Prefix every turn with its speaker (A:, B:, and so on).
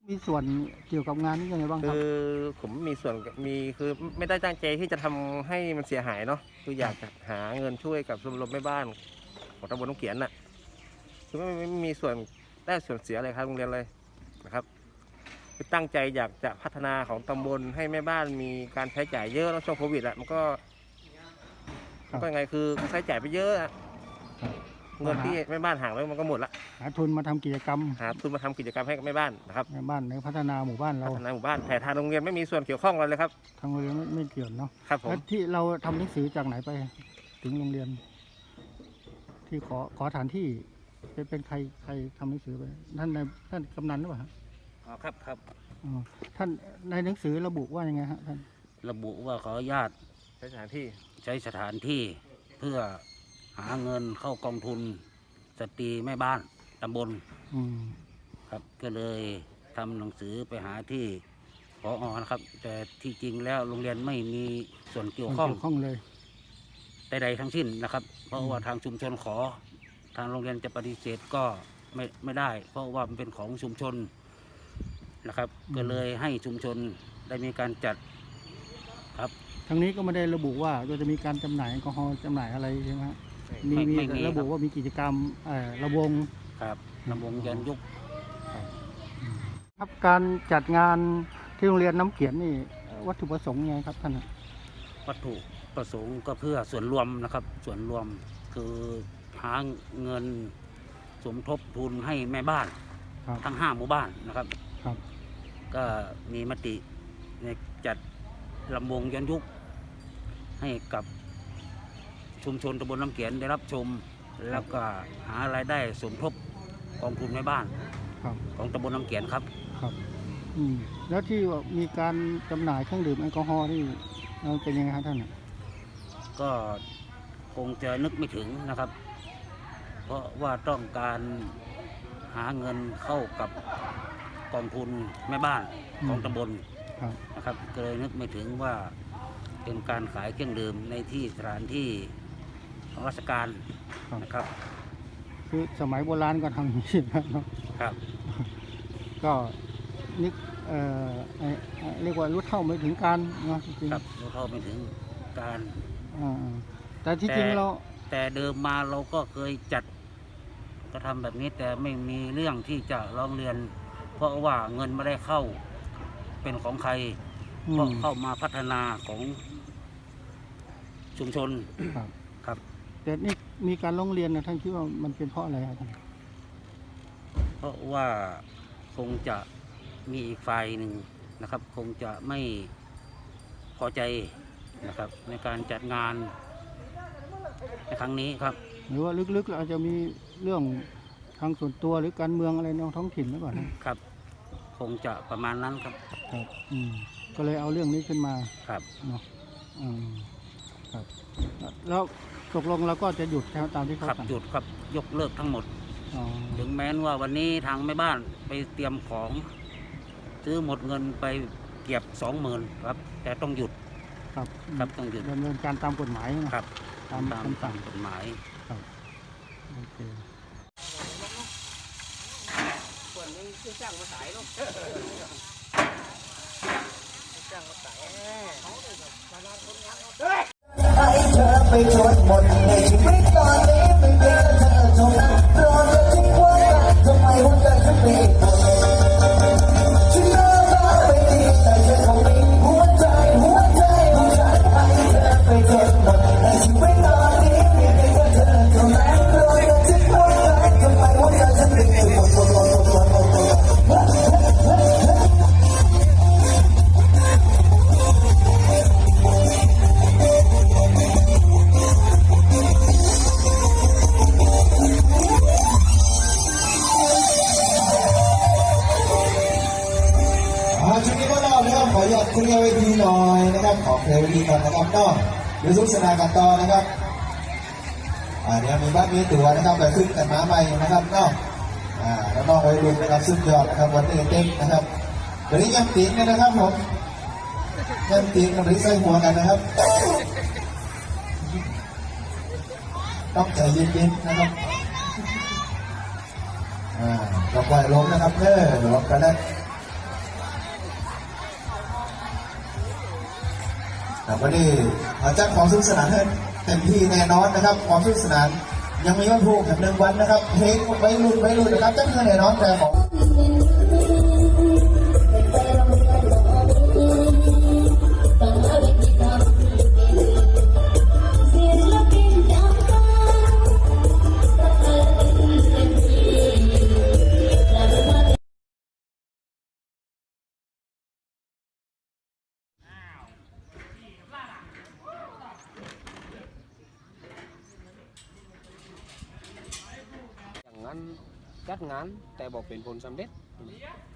A: มีส่วนเกี่ยวกับงานนี้ยังไงบ้างค
B: คื
A: รับ
B: อผมมีส่วนคือไม่ได้ตั้งใจที่จะทำให้มันเสียหายเนาะคืออยากจะหาเงินช่วยกับชมรมแม่บ้านของตำบลน้ำเขียนน่ะคือไม่มีส่วนได้ส่วนเสียอะไรครับโรงเรียนเลยนะครับคือตั้งใจอยากจะพัฒนาของตำบลให้แม่บ้านมีการใช้จ่ายเยอะแล้วช่วงโควิดมันก็ยังไงคือใช้จ่ายไปเยอะเงินที่แม่บ้านห่างแล้วมันก็หมดละ
A: หาทุนมาทำกิจกรรม
B: หาทุนมาทำกิจกรรมให้กับแม่บ้านนะครับ
A: ในบ้านในพัฒนาหมู่บ้านเรา
B: พัฒนาหมู่บ้านแต่ทางโรงเรียนไม่มีส่วนเกี่ยวข้องอะไรเลยครับ
A: ทางโรงเรียนไม่เกี่ยวเนาะ
B: ครับผม
A: แล้วที่เราทำหนังสือจากไหนไปถึงโรงเรียน ที่ขอฐานที่เป็นใครทำหนังสือไปท่านกำนันหรือเปล่าฮะ
C: ครับ
A: อ๋อท่านในหนังสือระบุว่ายังไงฮะท่าน
C: ระบุว่าขออนุญาต
B: ใช้สถานที่
C: ใช้สถานที่เพื่อหาเงินเข้ากองทุนสตรีแม่บ้านตำบล
A: อืม
C: ครับก็เลยทำหนังสือไปหาที่ผอ.นะครับ แต่ที่จริงแล้วโรงเรียนไม่มีส่วนเกี่ยวข้อง
A: เกี่ยวข้องเลย
C: ใดๆทั้งสิ้นนะครับ เพราะว่าทางชุมชนขอทางโรงเรียนจะปฏิเสธก็ไม่ได้ เพราะว่ามันเป็นของชุมชนนะครับ ก็เลยให้ชุมชนได้มีการจัดครับ
A: ทางนี้ก็ไม่ได้ระบุว่าจะมีการจำหน่ายแอลกอฮอล์จำหน่ายอะไรใช่ไหมฮะมี
C: ไม่มี
A: ระบุว่ามีกิจกรรมระวง
C: ครับลำวงย้อนยุค
A: ครับการจัดงานที่โรงเรียนน้ำเขียนนี่วัตถุประสงค์ยังไงครับท่าน
C: วัตถุประสงค์ก็เพื่อส่วนรวมนะครับ ส่วนรวมคือหาเงินสมทบทุนให้แม่บ้าน
A: ครับ
C: ทั้ง5หมู่บ้านนะครับ
A: ครับ
C: ก็มีมติในจัดลำวงย้อนยุคให้กับชุมชนตำบลน้ำเขียนได้รับชม แล้วก็หารายได้สมทบกองทุนแม่บ้าน
A: ครับ
C: ของตำบลน้ำเขียนครับ
A: ครับแล้วที่ว่ามีการจำหน่ายเครื่องดื่มแอลกอฮอล์นี่เป็นยังไงครับท่าน
C: ก็คงจะนึกไม่ถึงนะครับ เพราะว่าต้องการหาเงินเข้ากับกองทุนแม่บ้านของตำบล
A: ครับ
C: นะครับก็เลยนึกไม่ถึงว่าเป็นการขายเครื่องดื่มในที่สถานที่ของราชการนะครับ
A: คือสมัยโบราณก็ทำอย่างนี้เนาะ
C: ครับ
A: ก็นึกเรียกว่ารู้เท่าไม่ถึงการเนาะจริง
C: ครับรู้เท่าไม่ถึงการ
A: แต่ที่จริงเรา
C: แต่เดิมมาเราก็เคยจัดกระทำแบบนี้แต่ไม่มีเรื่องที่จะร้องเรียน เพราะว่าเงินไม่ได้เข้าเป็นของใครเพราะเข้ามาพัฒนาของชุมชน
A: ครับ
C: ครับ
A: แต่นี่มีการร้องเรียนนะท่านคิดว่ามันเป็นเพราะอะไรครับท่าน
C: เพราะว่าคงจะมีอีกฝ่ายหนึ่งนะครับ คงจะไม่พอใจนะครับ ในการจัดงานในครั้งนี้ครับ
A: หรือว่าลึกๆเราอาจจะมีเรื่องทางส่วนตัวหรือการเมืองอะไรในท้องถิ่นหรือเปล่านะครับ
C: คงจะประมาณนั้นครับ
A: ครับก็เลยเอาเรื่องนี้ขึ้นมา
C: ครับ
A: เนาะครับ แล้วตกลงเราก็จะหยุดตามที่เขา
C: ครับ
A: สั่ง
C: หยุดครับยกเลิกทั้งหมด
A: อ๋อ
C: ถึงแม้ว่าวันนี้ทางแม่บ้านไปเตรียมของซื้อหมดเงินไปเก็บ20,000ครับ แต่ต้องหยุด
A: ครับ
C: ครับต้องหยุด
A: ดำเนินการตามกฎหมายนะครับ ตามคำสั่ง
C: กฎหมาย
A: โอเค
B: ส่วนนึงคือจ้างมาขายเนาะจ้างมาขายเขาเลยแบบมาลาคนงานเนาะ
D: ให้เธอไปจนหมดในชีวิตตอนนี้ไม่เจอเธอเท่านั้นรอจะทิ้งไว้ทำไมหัวใจฉันไม่ตกฉันน่ารักไปดีแต่ฉันคงมีหัวใจของฉันให้เธอไปจนหมดในชีวิตตอนนี้ไม่เจอเธอเท่านั้นรอจะทิ้งไว้ทำไมหัวใจฉันไม่ตกชุดนี้ก็เล่านะครับขออยากคุยเวทีหน่อยนะครับขอเพลงดีก่อนนะครับก็เดี๋ยวสุขสนานกันต่อนะครับเดี๋ยวมีบ้านมีตั๋วนะครับไปขึ้นแต่ม้าใหม่นะครับเนาะแล้วน้องวัยรุ่นนะครับสุดยอดนะครับวันนี้เต็มนะครับวันนี้ยังตีนกันนะครับผมยังตีนกับริ้ใส่หัวกันนะครับต้องใจเย็นๆนะครับเราปล่อยลมนะครับหลบกันนะวันนี้จัดความสนุกสนานให้เต็มที่แน่นอนนะครับความสนุกสนานยังมีวันพรุ่งอีก1 วันนะครับเพลงไว้รุ่นนะครับจัดให้แน่นอนแต่ของ
E: อย่างนั้นจัดงานแต่บอกเป็นผลสำเร็จ